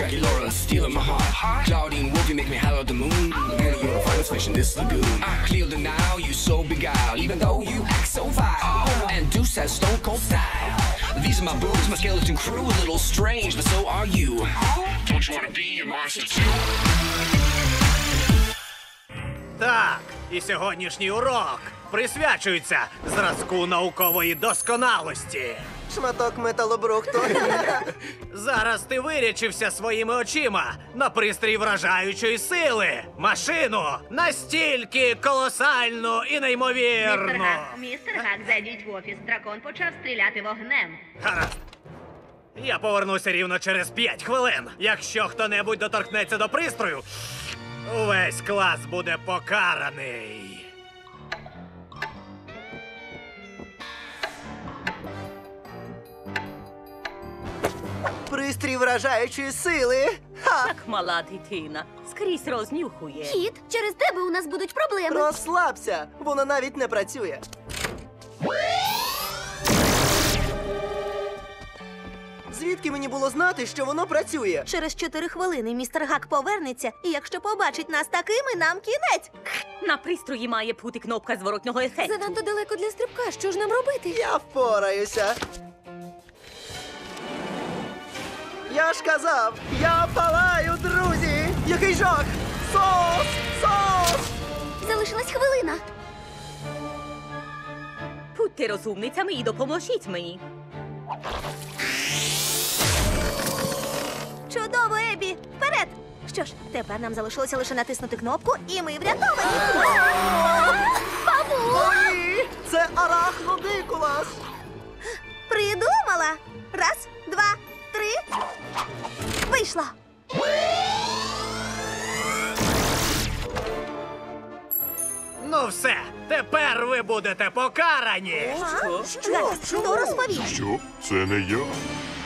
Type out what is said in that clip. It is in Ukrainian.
Jackie Laura stealing my heart. Claudine Wolfie make me holler at the moon. And you're the finest fish in this lagoon. I clear the now, you so beguiled, even though you act so vile. And Deuce has stone cold style. These are my boobs, my skeleton crew, a little strange, but so are you. Don't you wanna be a monster too? Так, і сьогоднішній урок присвячується зразку наукової досконалості. Шматок металобрухту. Зараз ти вирячився своїми очима на пристрій вражаючої сили. Машину настільки колосальну і неймовірну. Містер Гак, зайдіть в офіс. Дракон почав стріляти вогнем. Гаразд. Я повернуся рівно через 5 хвилин. Якщо хто-небудь доторкнеться до пристрою, увесь клас буде покараний. Пристрій вражаючої сили. Ха! Так мала дитина. Скрізь рознюхує. Кіт, через тебе у нас будуть проблеми. Розслабся, воно навіть не працює. Звідки мені було знати, що воно працює? Через 4 хвилини містер Гак повернеться, і якщо побачить нас такими, нам кінець. На пристрої має бути кнопка зворотнього ефекту. Занадто далеко для стрибка, що ж нам робити? Я впораюся. Я ж казав, я палаю, друзі! Який жах! Сос! Сос! Залишилась хвилина. Будьте розумницями і допоможіть мені. Чудово, Ебі! Вперед! Що ж, тепер нам залишилося лише натиснути кнопку, і ми врятовані. Бабу! Ой! Це арахнодикулас! Придумала! Раз, два, три. Вийшло! Ну все, тепер ви будете покарані. Гаразд, хто розповів? Що? Це не я.